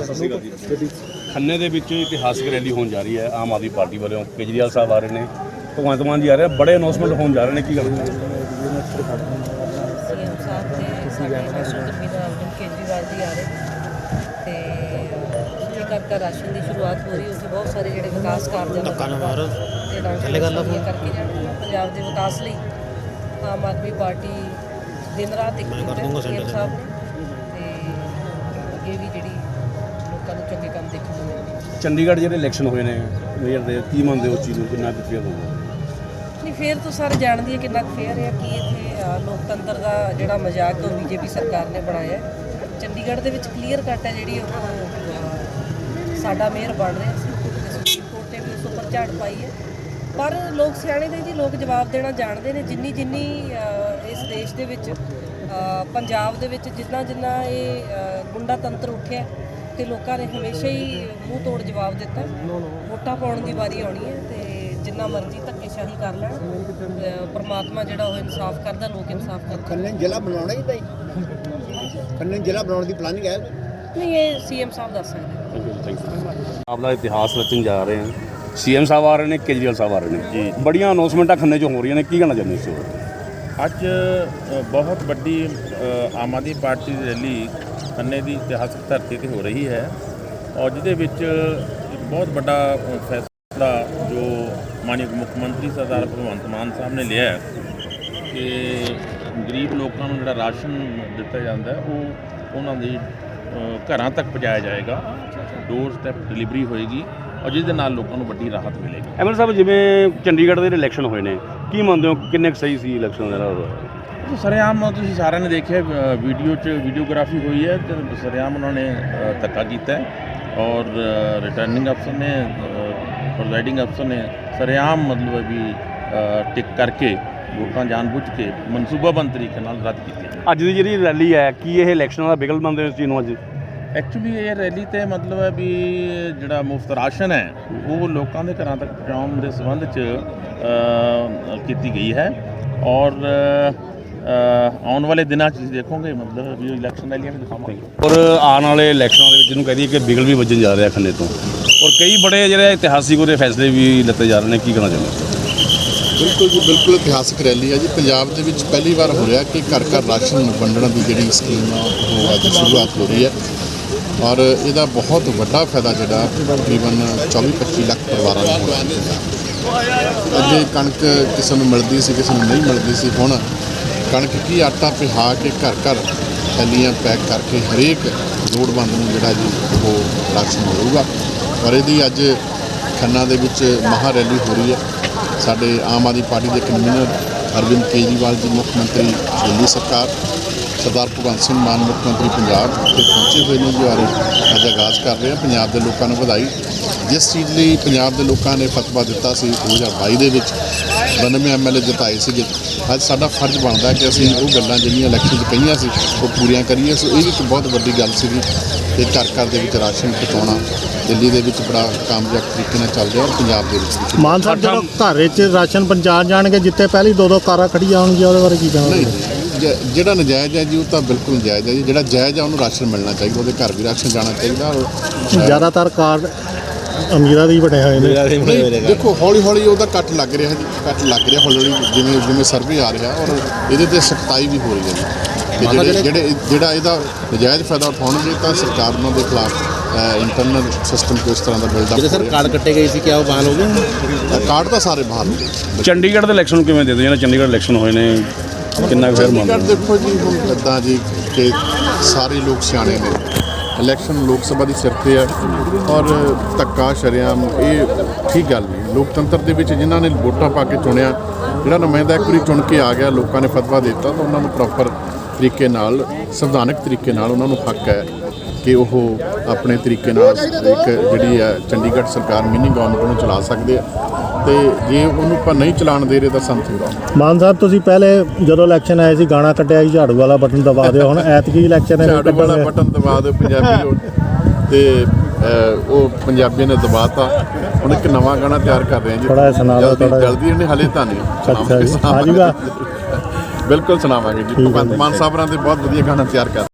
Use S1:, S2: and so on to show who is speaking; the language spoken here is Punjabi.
S1: ਖੰਨੇ ਦੇ ਵਿੱਚ ਇਤਿਹਾਸਕ ਰੈਲੀ ਹੋਣ ਜਾ ਰਹੀ ਹੈ ਆਮ ਆਦਮੀ ਪਾਰਟੀ ਵੱਲੋਂ। ਕੇਜਰੀਵਾਲ ਸਾਹਿਬ ਆ ਰਹੇ ਨੇ, ਭਗਵੰਤ ਮਾਨ ਜੀ ਆ ਰਹੇ, ਬੜੇ ਅਨਾਉਂਸਮੈਂਟ ਹੋਣ ਜਾ ਰਹੇ ਨੇ, ਕੀ ਗੱਲ
S2: ਸੀਐਮ ਸਾਹਿਬ ਤੇ ਸਾਡੇ ਨੈਸ਼ਨਲ ਕਨਵੀਨਰ ਅਰਵਿੰਦ ਕੇਜਰੀਵਾਲ ਜੀ ਆ ਰਹੇ ਤੇ ਘਰ ਰਾਸ਼ਨ ਦੀ ਸ਼ੁਰੂਆਤ ਹੋ ਰਹੀ। ਉੱਥੇ ਬਹੁਤ ਸਾਰੇ ਜਿਹੜੇ ਵਿਕਾਸ ਕਾਰਜਾਂ ਦਾ ਕਰਕੇ ਜਾਣੇ ਪੰਜਾਬ ਦੇ ਵਿਕਾਸ ਲਈ ਆਮ ਆਦਮੀ ਪਾਰਟੀ ਦਿਨ ਰਾਤ ਇੱਕ ਸੀਐਮ ਸਾਹਿਬ ਨੇ ਤੇ ਅੱਗੇ ਵੀ ਜਿਹੜੀ ਲੋਕਾਂ ਨੂੰ ਚੰਗੇ ਕੰਮ ਦੇਖਣ ਨੂੰ ਮਿਲਣਗੇ।
S1: ਚੰਡੀਗੜ੍ਹ ਜਿਹੜੇ ਇਲੈਕਸ਼ਨ ਹੋਏ ਨੇ ਮੇਅਰ ਦੇ, ਕੀ ਮੰਨਦੇ ਹੋ ਚੀਜ਼ ਨੂੰ, ਕਿੰਨਾ ਕੁ ਫੇਅਰ ਹੋਊਗਾ?
S2: ਨਹੀਂ, ਫੇਅਰ ਤਾਂ ਸਾਰੇ ਜਾਣਦੇ ਆ ਕਿੰਨਾ ਕੁ ਫੇਅਰ ਹੈ। ਕਿ ਇੱਥੇ ਲੋਕਤੰਤਰ ਦਾ ਜਿਹੜਾ ਮਜ਼ਾਕ ਉਹ ਬੀਜੇਪੀ ਸਰਕਾਰ ਨੇ ਬਣਾਇਆ। ਚੰਡੀਗੜ੍ਹ ਦੇ ਵਿੱਚ ਕਲੀਅਰ ਕੱਟ ਹੈ ਜਿਹੜੀ ਉਹ ਸਾਡਾ ਮੇਅਰ ਬਣ ਰਿਹਾ ਸੀ ਤੇ ਸੁਪਰੀਮ ਕੋਰਟ ਨੇ ਵੀ ਉਸ ਉੱਪਰ ਝਾੜ ਪਾਈ ਹੈ। ਪਰ ਲੋਕ ਸਿਆਣੇ ਨੇ ਜੀ, ਲੋਕ ਜਵਾਬ ਦੇਣਾ ਜਾਣਦੇ ਨੇ। ਜਿੰਨੀ ਇਸ ਦੇਸ਼ ਦੇ ਵਿੱਚ ਪੰਜਾਬ ਦੇ ਵਿੱਚ ਜਿੰਨਾ ਇਹ ਗੁੰਡਾ ਤੰਤਰ ਉੱਠਿਆ ਤੇ ਲੋਕਾਂ ਨੇ ਹਮੇਸ਼ਾ ਹੀ ਮੂੰਹ ਤੋੜ ਜਵਾਬ ਦਿੱਤਾ। ਵੋਟਾਂ ਪਾਉਣ ਦੀ ਵਾਰੀ ਆਉਣੀ ਹੈ ਤੇ ਜਿੰਨਾ ਮਰਜ਼ੀ ਧੱਕੇਸ਼ਾਹੀ ਕਰ ਲੈਣ, ਪਰਮਾਤਮਾ ਜਿਹੜਾ ਉਹ ਇਨਸਾਫ ਕਰਦਾ, ਲੋਕ ਇਨਸਾਫ ਕਰਦੇ।
S3: ਖੰਨੇ ਜ਼ਿਲ੍ਹਾ ਬਣਾਉਣਾ ਹੀ ਭਾਈ, ਖੰਨੇ ਜ਼ਿਲ੍ਹਾ ਬਣਾਉਣ ਦੀ ਪਲਾਨਿੰਗ ਹੈ?
S2: ਨਹੀਂ, ਇਹ ਸੀਐਮ ਸਾਹਿਬ ਦੱਸ ਸਕਦੇ।
S1: ਆਪਦਾ ਇਤਿਹਾਸ ਰਚਣ ਜਾ ਰਹੇ ਹਨ। ਸੀਐਮ ਸਾਹਿਬ ਆ ਰਹੇ ਨੇ, ਕੇਜਰੀਵਾਲ ਸਾਹਿਬ ਆ ਰਹੇ ਨੇ ਜੀ, ਬੜੀਆਂ ਅਨਾਉਂਸਮੈਂਟਾਂ ਖੰਨੇ 'ਚ ਹੋ ਰਹੀਆਂ ਨੇ, ਕੀ ਕਹਿਣਾ ਚਾਹੁੰਦੇ ਹੋ?
S4: ਅੱਜ ਬਹੁਤ ਵੱਡੀ ਆਮ ਆਦਮੀ ਪਾਰਟੀ ਦੀ ਰੈਲੀ ਖੰਨੇ ਦੀ ਇਤਿਹਾਸਕ ਧਰਤੀ 'ਤੇ ਹੋ ਰਹੀ ਹੈ ਔਰ ਜਿਹਦੇ ਵਿੱਚ ਇੱਕ ਬਹੁਤ ਵੱਡਾ ਫੈਸਲਾ ਜੋ ਮਾਨਯੋਗ ਮੁੱਖ ਮੰਤਰੀ ਸਰਦਾਰ ਭਗਵੰਤ ਮਾਨ ਸਾਹਿਬ ਨੇ ਲਿਆ ਕਿ ਗਰੀਬ ਲੋਕਾਂ ਨੂੰ ਜਿਹੜਾ ਰਾਸ਼ਨ ਦਿੱਤਾ ਜਾਂਦਾ ਉਹ ਉਹਨਾਂ ਦੀ ਘਰਾਂ ਤੱਕ ਪਹੁੰਚਾਇਆ ਜਾਏਗਾ, ਡੋਰ ਸਟੈਪ ਡਿਲੀਵਰੀ ਹੋਏਗੀ ਔਰ ਜਿਸ ਦੇ ਨਾਲ ਲੋਕਾਂ ਨੂੰ ਵੱਡੀ ਰਾਹਤ ਮਿਲੇਗੀ।
S1: ਐਮਐਲ ਸਾਹਿਬ, ਜਿਵੇਂ ਚੰਡੀਗੜ੍ਹ ਦੇ ਇਲੈਕਸ਼ਨ ਹੋਏ ਨੇ, ਕੀ ਮੰਨਦੇ ਹੋ ਕਿੰਨੇ ਕੁ ਸਹੀ ਸੀ ਇਲੈਕਸ਼ਨ ਜਿਹੜਾ?
S4: ਸਰੇਆਮ ਤੁਸੀਂ ਸਾਰਿਆਂ ਨੇ ਦੇਖਿਆ ਵੀਡੀਓ 'ਚ ਵੀਡੀਓਗ੍ਰਾਫੀ ਹੋਈ ਹੈ ਤੇ ਸਰੇਆਮ ਉਹਨਾਂ ਨੇ ਧੱਕਾ ਕੀਤਾ ਔਰ ਰਿਟਰਨਿੰਗ ਅਫਸਰ ਨੇ, ਪ੍ਰੈਜ਼ਾਈਡਿੰਗ ਅਫਸਰ ਨੇ ਸਰੇਆਮ ਮਤਲਬ ਵੀ ਟਿਕ ਕਰਕੇ ਵੋਟਾਂ ਜਾਣਬੁੱਝ ਕੇ ਮਨਸੂਬਾਬੰਦ ਤਰੀਕੇ ਨਾਲ ਰੱਦ ਕੀਤੀਆਂ। ਅੱਜ
S1: ਦੀ ਜਿਹੜੀ ਰੈਲੀ ਹੈ, ਕੀ ਇਹ ਇਲੈਕਸ਼ਨਾਂ ਦਾ ਬਿਗਲ ਮੰਨਦੇ ਹੋ ਇਸ ਚੀਜ਼ ਨੂੰ? ਅੱਜ
S4: ਐਕਚੁਅਲੀ ਇਹ ਰੈਲੀ ਤੇ ਮਤਲਬ ਹੈ ਵੀ ਜਿਹੜਾ ਮੁਫਤ ਰਾਸ਼ਨ ਹੈ ਉਹ ਲੋਕਾਂ ਦੇ ਘਰਾਂ ਤੱਕ ਪਹੁੰਚਾਉਣ ਦੇ ਸੰਬੰਧ 'ਚ ਕੀਤੀ ਗਈ ਹੈ ਔਰ ਆਉਣ ਵਾਲੇ ਦਿਨਾਂ 'ਚ ਤੁਸੀਂ ਦੇਖੋਗੇ ਮਤਲਬ ਵੀ ਇਲੈਕਸ਼ਨ ਰੈਲੀਆਂ ਵੀ ਦਿਖਾਵਾਂਗੇ।
S1: ਔਰ ਆਉਣ ਵਾਲੇ ਇਲੈਕਸ਼ਨਾਂ ਦੇ ਵਿੱਚ ਜਿਹਨੂੰ ਕਹਿ ਦਈਏ ਕਿ ਬਿਗਲ ਵੀ ਵੱਜਣ ਜਾ ਰਿਹਾ ਖੰਨੇ ਤੋਂ, ਔਰ ਕਈ ਬੜੇ ਜਿਹੜੇ ਇਤਿਹਾਸਿਕ ਉਹਦੇ ਫੈਸਲੇ ਵੀ ਲਿੱਤੇ ਜਾ ਰਹੇ ਨੇ, ਕੀ ਕਹਿਣਾ ਚਾਹੁੰਦੇ?
S5: ਬਿਲਕੁਲ ਜੀ, ਬਿਲਕੁਲ ਇਤਿਹਾਸਕ ਰੈਲੀ ਹੈ ਜੀ। ਪੰਜਾਬ ਦੇ ਵਿੱਚ ਪਹਿਲੀ ਵਾਰ ਹੋ ਰਿਹਾ ਕਿ ਘਰ ਘਰ ਰਾਸ਼ਨ ਵੰਡਣ ਦੀ ਜਿਹੜੀ ਸਕੀਮ ਆ ਉਹ ਅੱਜ ਸ਼ੁਰੂਆਤ ਹੋ ਰਹੀ ਹੈ ਔਰ ਇਹਦਾ ਬਹੁਤ ਵੱਡਾ ਫਾਇਦਾ ਜਿਹੜਾ ਤਕਰੀਬਨ 24-25 ਲੱਖ ਪਰਿਵਾਰਾਂ ਨੂੰ ਹੋਇਆ। ਅੱਗੇ ਕਣਕ ਕਿਸੇ ਨੂੰ ਮਿਲਦੀ ਸੀ, ਕਿਸੇ ਨੂੰ ਨਹੀਂ ਮਿਲਦੀ ਸੀ। ਹੁਣ ਕਣਕ ਕੀ ਆਟਾ ਪਿਹਾ ਕੇ ਘਰ ਘਰ ਥੈਲੀਆਂ ਪੈਕ ਕਰਕੇ ਹਰੇਕ ਲੋੜਵੰਦ ਨੂੰ ਜਿਹੜਾ ਜੀ ਉਹ ਰਾਸ਼ਨ ਮਿਲੂਗਾ ਔਰ ਇਹਦੀ ਅੱਜ ਖੰਨਾ ਦੇ ਵਿੱਚ ਮਹਾ ਰੈਲੀ ਹੋ ਰਹੀ ਹੈ। ਸਾਡੇ ਆਮ ਆਦਮੀ ਪਾਰਟੀ ਦੇ ਕਨਵੀਨਰ ਅਰਵਿੰਦ ਕੇਜਰੀਵਾਲ ਜੀ, ਮੁੱਖ ਮੰਤਰੀ ਦਿੱਲੀ ਸਰਕਾਰ, ਸਰਦਾਰ ਭਗਵੰਤ ਸਿੰਘ ਮਾਨ ਮੁੱਖ ਮੰਤਰੀ ਪੰਜਾਬ ਤੇ ਪਹੁੰਚੇ ਹੋਏ ਨੇ ਜੀ। ਅੱਜ ਆਗਾਜ਼ ਕਰ ਰਹੇ ਹਾਂ। ਪੰਜਾਬ ਦੇ ਲੋਕਾਂ ਨੂੰ ਵਧਾਈ। ਜਿਸ ਚੀਜ਼ ਲਈ ਪੰਜਾਬ ਦੇ ਲੋਕਾਂ ਨੇ ਫਤਵਾ ਦਿੱਤਾ ਸੀ 2022 ਦੇ ਵਿੱਚ 92 ਐਮਐਲਏ ਜਿਤਾਏ ਸੀਗੇ, ਅੱਜ ਸਾਡਾ ਫਰਜ਼ ਬਣਦਾ ਕਿ ਅਸੀਂ ਉਹ ਗੱਲਾਂ ਜਿਹੜੀਆਂ ਇਲੈਕਸ਼ਨ 'ਚ ਕਹੀਆਂ ਸੀ ਉਹ ਪੂਰੀਆਂ ਕਰੀਏ। ਸੋ ਇਹ ਵੀ ਇੱਕ ਬਹੁਤ ਵੱਡੀ ਗੱਲ ਸੀਗੀ ਕਿ ਘਰ ਘਰ ਦੇ ਵਿੱਚ ਰਾਸ਼ਨ ਪਹੁੰਚਾਉਣਾ ਦਿੱਲੀ ਦੇ ਵਿੱਚ ਬੜਾ ਕਾਮਯਾਬ ਤਰੀਕੇ ਨਾਲ ਚੱਲ ਰਿਹਾ ਔਰ ਪੰਜਾਬ ਦੇ ਵਿੱਚ ਵੀ।
S6: ਮਾਨ ਸਾਹਿਬ ਜਦੋਂ ਘਰ ਵਿੱਚ ਰਾਸ਼ਨ ਪਹੁੰਚਾ ਜਾਣਗੇ, ਜਿੱਥੇ ਪਹਿਲੀ ਦੋ ਕਾਰਾਂ ਖੜੀਆਂ ਹੋਣਗੀਆਂ, ਉਹਦੇ ਬਾਰੇ ਕੀ ਕਹਿਣਾ?
S5: ਨਹੀਂ, ਜਿਹੜਾ ਨਜਾਇਜ਼ ਹੈ ਜੀ ਉਹ ਤਾਂ ਬਿਲਕੁਲ ਨਜਾਇਜ਼ ਹੈ ਜੀ। ਜਿਹੜਾ ਜਾਇਜ਼ ਹੈ ਉਹਨੂੰ ਰਾਸ਼ਨ ਮਿਲਣਾ ਚਾਹੀਦਾ, ਉਹਦੇ ਘਰ ਵੀ ਰਾਸ਼ਨ ਜਾਣਾ ਚਾਹੀਦਾ। ਔਰ
S6: ਜ਼ਿਆਦਾਤਰ ਕਾਰਡ ਅਮੀਰਾਂ ਦੇ ਹੀ ਬਣੇ ਹੋਏ ਨੇ।
S5: ਦੇਖੋ ਹੌਲੀ ਹੌਲੀ ਉਹਦਾ ਕੱਟ ਲੱਗ ਰਿਹਾ ਜੀ, ਕੱਟ ਲੱਗ ਰਿਹਾ ਹੌਲੀ ਹੌਲੀ ਜਿਵੇਂ ਜਿਵੇਂ ਸਰਵੇ ਆ ਰਿਹਾ ਔਰ ਇਹਦੇ ਤੇ ਸਖਤਾਈ ਵੀ ਹੋ ਰਹੀ ਹੈ ਜੀ। ਕਿ ਜਿਹੜਾ ਇਹਦਾ ਨਜਾਇਜ਼ ਫਾਇਦਾ ਉਠਾਉਣਗੇ ਤਾਂ ਸਰਕਾਰ ਉਹਨਾਂ ਦੇ ਖਿਲਾਫ ਇੰਟਰਨਲ ਸਿਸਟਮ ਕੋਈ ਇਸ ਤਰ੍ਹਾਂ ਦਾ ਬਿਲਡਅਪ।
S3: ਜਿਹੜੇ ਸਰ ਕਾਰਡ ਕੱਟੇ ਗਏ ਸੀ, ਕਿਆ ਉਹ ਬਹਾਲ ਹੋ ਗਏ?
S5: ਕਾਰਡ ਤਾਂ ਸਾਰੇ ਬਾਹਰ ਹੋ ਗਏ।
S1: ਚੰਡੀਗੜ੍ਹ ਦੇ ਇਲੈਕਸ਼ਨ ਨੂੰ ਕਿਵੇਂ ਦੇ ਦਿਓ? ਜਿਹੜਾ ਚੰਡੀਗੜ੍ਹ ਇਲੈਕਸ਼ਨ ਹੋਏ ਨੇ, ਕਿੰਨਾ ਕੁ ਫੇਰ ਮੰਨਦੇ?
S5: ਦੇਖੋ ਜੀ, ਹੁਣ ਇੱਦਾਂ ਜੀ ਕਿ ਸਾਰੇ ਲੋਕ ਸਿਆਣੇ ਨੇ। ਇਲੈਕਸ਼ਨ ਲੋਕ ਸਭਾ ਦੀ ਸਿਰ 'ਤੇ ਹੈ ਔਰ ਧੱਕਾ ਸ਼ਰੇਆਮ ਇਹ ਠੀਕ ਗੱਲ ਨਹੀਂ। ਲੋਕਤੰਤਰ ਦੇ ਵਿੱਚ ਜਿਨ੍ਹਾਂ ਨੇ ਵੋਟਾਂ ਪਾ ਕੇ ਚੁਣਿਆ, ਜਿਹੜਾ ਨੁਮਾਇੰਦਾ ਇੱਕ ਵਾਰੀ ਚੁਣ ਕੇ ਆ ਗਿਆ, ਲੋਕਾਂ ਨੇ ਫਤਵਾ ਦਿੱਤਾ ਤਾਂ ਉਹਨਾਂ ਨੂੰ ਪ੍ਰੋਪਰ ਤਰੀਕੇ ਨਾਲ, ਸੰਵਿਧਾਨਕ ਤਰੀਕੇ ਨਾਲ ਉਹਨਾਂ ਨੂੰ ਹੱਕ ਹੈ ਕਿ ਉਹ ਆਪਣੇ ਤਰੀਕੇ ਨਾਲ ਇੱਕ ਜਿਹੜੀ ਹੈ ਚੰਡੀਗੜ੍ਹ ਸਰਕਾਰ ਮਿਨੀ ਗਵਰਨਮੈਂਟ ਨੂੰ ਚਲਾ ਸਕਦੇ ਆ ਤੇ ਜੇ ਉਹਨੂੰ ਆਪਾਂ ਨਹੀਂ ਚਲਾਉਣ ਦੇ ਰਹੇ ਤਾਂ ਸਮਝੋ।
S6: ਮਾਨ ਸਾਹਿਬ, ਤੁਸੀਂ ਪਹਿਲੇ ਜਦੋਂ ਇਲੈਕਸ਼ਨ ਆਏ ਸੀ ਗਾਣਾ ਕੱਢਿਆ ਸੀ ਝਾੜੂ ਵਾਲਾ ਬਟਨ ਦਬਾ ਦਿਓ, ਹੁਣ ਐਤਕੀ ਇਲੈਕਸ਼ਨ ਹੈ
S5: ਝਾੜੂ ਵਾਲਾ ਬਟਨ ਦਬਾ ਦਿਓ ਪੰਜਾਬੀ ਤੇ ਉਹ ਪੰਜਾਬੀ ਨੇ ਦਬਾਤਾ। ਹੁਣ ਇੱਕ ਨਵਾਂ ਗਾਣਾ ਤਿਆਰ ਕਰ ਰਹੇ ਹਾਂ ਜੀ,
S6: ਥੋੜਾ ਸੁਣਾ ਦਿਓ।
S5: ਜਲਦੀ ਇਹਨੇ ਹਲੇ ਤਾਂ ਨਹੀਂ
S6: ਆ ਜੂਗਾ,
S5: ਬਿਲਕੁਲ ਸੁਣਾਵਾਂਗੇ ਜੀ। ਭਗਵੰਤ ਮਾਨ ਸਾਹਿਬਾਂ ਦੇ ਬਹੁਤ ਵਧੀਆ ਗਾਣਾ ਤਿਆਰ ਕਰ